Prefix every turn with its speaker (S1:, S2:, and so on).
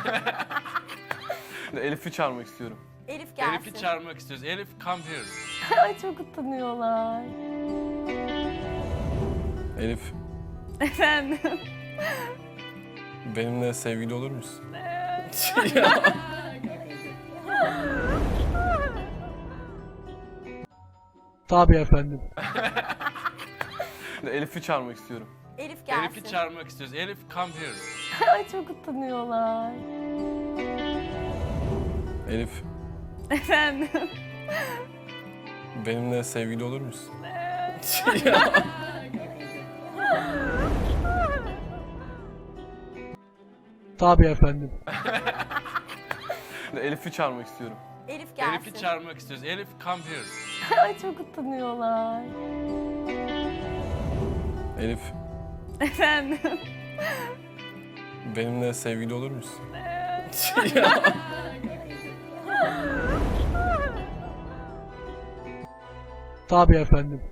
S1: Elif'i çağırmak istiyorum.
S2: Elif gelsin.
S3: Elif'i çağırmak istiyoruz. Elif, come here.
S2: Ay çok utanıyorlar.
S1: Elif,
S2: Efendim?
S1: benimle sevgili olur musun?
S4: Tabii efendim.
S1: Elif'i çağırmak istiyorum.
S2: Elif gelsin.
S3: Elif'i çağırmak istiyoruz. Elif, come here.
S2: Ay çok utanıyorlar.
S1: Elif,
S2: Efendim?
S1: benimle sevgili olur musun?
S4: Tabii efendim.
S1: Elif'i çağırmak istiyorum.
S2: Elif gelsin.
S3: Elif'i çağırmak istiyoruz. Elif, come here.
S2: Ay çok utanıyorlar.
S1: Elif,
S2: Efendim?
S1: benimle sevgili olur musun?
S4: Tabii efendim.